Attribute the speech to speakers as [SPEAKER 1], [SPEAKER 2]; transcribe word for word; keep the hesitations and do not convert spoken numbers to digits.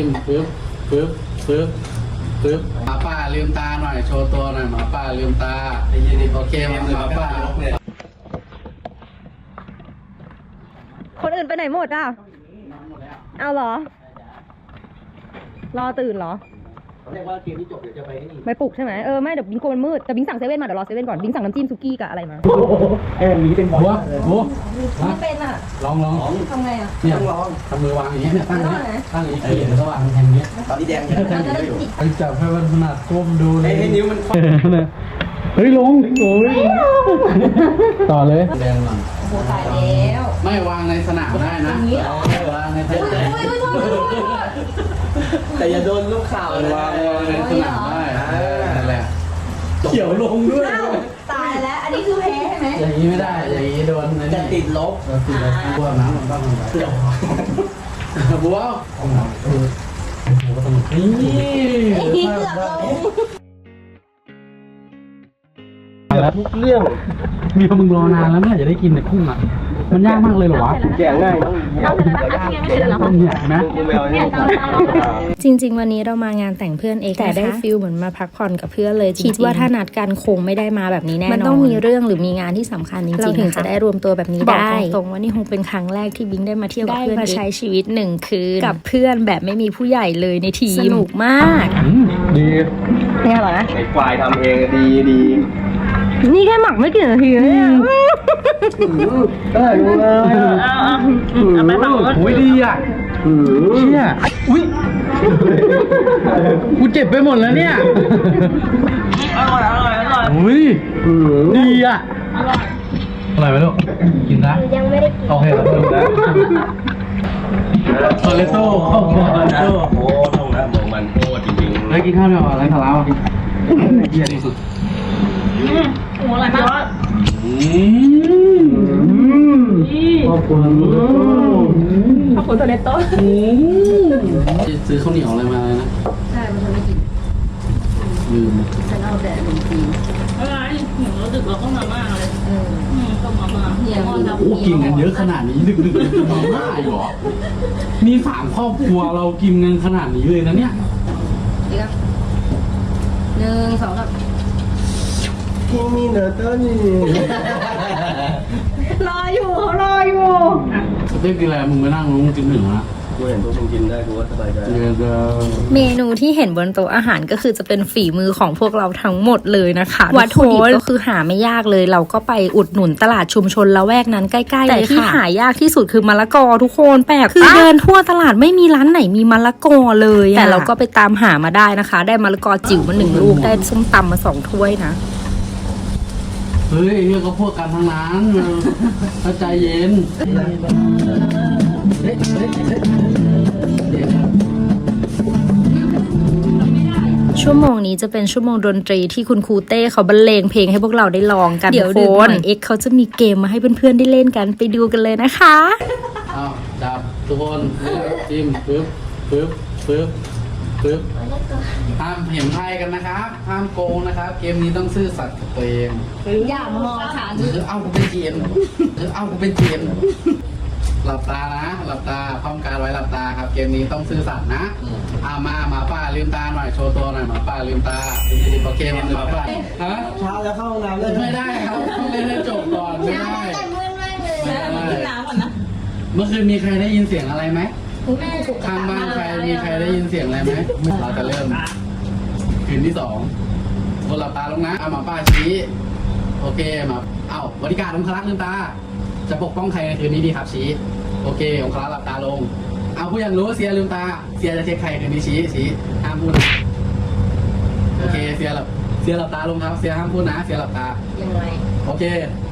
[SPEAKER 1] มปึ๊บปึ๊บปึ๊บปึ๊บหมาป่าลืมตาหน่อยโชว์ตัวหน่อยหมาป่าลืมตาโอเคหมาป่า
[SPEAKER 2] คนอื่นไปไหนหมดอ่ะเอาเหรอรอตื่นเหรอ
[SPEAKER 3] เขาเรียกว่าเกมที่จบเดี๋ยวจะไปนี่
[SPEAKER 2] ไม่ปลุกใช่ไหมเออไม่เดี๋ยวบิงโกมันมืดแต่บิงสั่งเซเว่นมาเดี๋ยวรอเซเว่นก่อนบิงสั่งน้ำจิ้มซุกี้กับอะไรมา
[SPEAKER 3] เอ้ยนี้เป็นบอล
[SPEAKER 1] โอ้
[SPEAKER 2] ไม่เป็นอ่ะ
[SPEAKER 1] ลองลอง
[SPEAKER 2] ทำไงอ่ะ
[SPEAKER 1] เนี่ยลองทำมือวางอย่างเงี้ยตั้งนี้ตั้งอย่างนี้เดี๋ยวก็วางแทนเงี้ย
[SPEAKER 3] ตอนนี้แดงแดงอยู่
[SPEAKER 1] ไปจับให้มันขนาดก้มดูเลย
[SPEAKER 3] ให้นิ้วมัน
[SPEAKER 1] เฮ้ยลงโอ้ยต่อเลยแดงหน่อย
[SPEAKER 2] โอ้โหตายแล้ว
[SPEAKER 1] ไม่วางในสนามได้นะวางในสนาม
[SPEAKER 3] แต่อย่าโดนลูกข่าวเลยว
[SPEAKER 1] างในสนามได้นั่นแหละเขียวลงด้วย
[SPEAKER 2] ตายแล้วอันนี้คือแพ้ใช่ไหม
[SPEAKER 1] อย่างนี้ไม่ได้อย่างนี้โดน
[SPEAKER 3] จะติดลบ
[SPEAKER 1] ติดลบบัวน้ำมันต้องลงไปบัวนี่
[SPEAKER 3] ทุกเรื่อง
[SPEAKER 1] มีคนมึงรอนานแล้วเนี่ยจะได้กินแต่กุ้งอ่ะมันยากมากเลยเหรอวะ
[SPEAKER 3] แกะง่าย
[SPEAKER 1] ต้องเนี่ยนะ
[SPEAKER 4] จริงๆวันนี้เรามางานแต่งเพื่อนเอกแต่ได้ฟิลเหมือนมาพักผ่อนกับเพื่อนเลยคิดว่าถ้านัดกันคงไม่ได้มาแบบนี้แน่นอนมันต้องมีเรื่องหรือมีงานที่สำคัญจริงๆเราถึงจะได้รวมตัวแบบนี้ได้ตรงว่านี่คงเป็นครั้งแรกที่บิงได้มาเที่ยวกับเพื่อนมาใช้ชีวิตหนึ่งคืนกับเพื่อนแบบไม่มีผู้ใหญ่เลยในทีมสนุกมาก
[SPEAKER 1] ดี
[SPEAKER 2] เนี่ยเหรอนะ
[SPEAKER 3] ไอ้ควายทำเองดีดี
[SPEAKER 2] นี่แค่หมักไม่กี่นาทีเลยเนี่ย
[SPEAKER 1] ได้เลยเอาไปหมักโอ้ยดีอ่ะเชี่ยอุ้ยกูเจ็บไปหมดแล้วเนี่ย
[SPEAKER 3] อร่อยอร่อยอร่อย
[SPEAKER 1] อุ้ยดีอ่ะอร่อยอร่อยไหมลูกกินนะยังไม่ได้กินโอเคครับคอเลสโต้ข้าวคอเลสโต้
[SPEAKER 3] โอ้ตรงนั้นมองมันโคตรจริงๆ
[SPEAKER 1] เฮ้ยกินข้าวหน่อยอะไรทาราเยี่ยที่สุด
[SPEAKER 2] โอ้อร่อยมาก
[SPEAKER 1] ขอบคุณ
[SPEAKER 2] ขอบคุณตัวเล็กโต
[SPEAKER 1] ซื้อข้าวเหนียวอะไรมาเลยนะ
[SPEAKER 2] ใช่มันจะไม่กิน
[SPEAKER 1] ลืม
[SPEAKER 2] ฉันเอาแต่ขนมจีน
[SPEAKER 5] อะไรหนูดึกเราก็มาม่าเลยเออก็มาม่า
[SPEAKER 2] เฮีย
[SPEAKER 1] โอ้กินกันเยอะขนาดนี้ดึกดึกมาม่าอยู่หรอนี่สามครอบครัวเรากินกันขนาดนี้เลยนะเนี่ย
[SPEAKER 2] ดีครับหนึ่งสองครับ
[SPEAKER 3] ที่มีเนอร์เตอร์นี่
[SPEAKER 2] รออยู่เขารออยู่
[SPEAKER 1] สเต็กกินอะไรมึงไปนั่งมึงกินหนึ่งนะ
[SPEAKER 3] กูเห็นพวกมึงกินได้กูว่าสบายใจ
[SPEAKER 4] เมนูที่เห็นบนโต๊ะอาหารก็คือจะเป็นฝีมือของพวกเราทั้งหมดเลยนะคะวัตถุดิบก็คือหาไม่ยากเลยเราก็ไปอุดหนุนตลาดชุมชนละแวกนั้นใกล้ๆเลยค่ะแต่ที่หายากที่สุดคือมะละกอทุกคนแปลกคือเดินทั่วตลาดไม่มีร้านไหนมีมะละกอเลยแต่เราก็ไปตามหามาได้นะคะได้มะละกอจิ๋วมาหนึ่งลูกได้ส้มตำมาสองถ้วยนะ
[SPEAKER 1] เฮ้ยเนี่ยก็พวกกันทั้งนั้นเข้าใจเย็น
[SPEAKER 4] ชั่วโมงนี้จะเป็นชั่วโมงดนตรีที่คุณครูเต้เขาบรรเลงเพลงให้พวกเราได้ลองกันเดี๋ยวดึกหน่อยเอ็กเขาจะมีเกมมาให้เพื่อนๆได้เล่นกันไปดูกันเลยนะคะ
[SPEAKER 1] อ้าวจับทุกคนจิ้มปึ๊บปึ๊บปึ๊บปึ๊บห้ามเห็นไพ่กันนะครับห้ามโกงนะครับเกมนี้ต้องซื่อสัตย์กับตัวเอง
[SPEAKER 2] อย่ามองค่ะ
[SPEAKER 1] หรือเอากูเป็นเจียนหรือเอากูเป็นเจียนหลับตานะหลับตาพร้อมการไว้หลับตาครับเกมนี้ต้องซื่อสัตย์นะอามาหมาป่าลืมตาหน่อยโชว์ตัวหน่อยหมาป่าลืมตาโอเคหมาป่าฮะ
[SPEAKER 3] เช้าแล้วเข้าห้องน้ำเลย
[SPEAKER 1] ไม่ได้ครับต้องเล่นให้จบก่อนไม่ได้เมื่อคืนมีใครได้ยินเสียงอะไรไหมข้างบ้านใครมีใครได้ยินเสียงอะไรไหมเราจะเริ่มคืนที่สองคนหลับตาลงนะเอาหมาป่าชี้โอเคมาเอาบริการองครักษ์ลืมตาจะปกป้องใครในคืนนี้ดีครับชี้โอเคองครักษ์หลับตาลงเอาผู้ยังรู้เสียลืมตาเสียจะเช็คใครคืนนี้ชี้ชี้ห้ามพูดโอเคเสียหลับเสียหลับตาลงครับเสียห้ามพูดนะเสียหลับตา
[SPEAKER 2] ยังไง
[SPEAKER 1] โอเค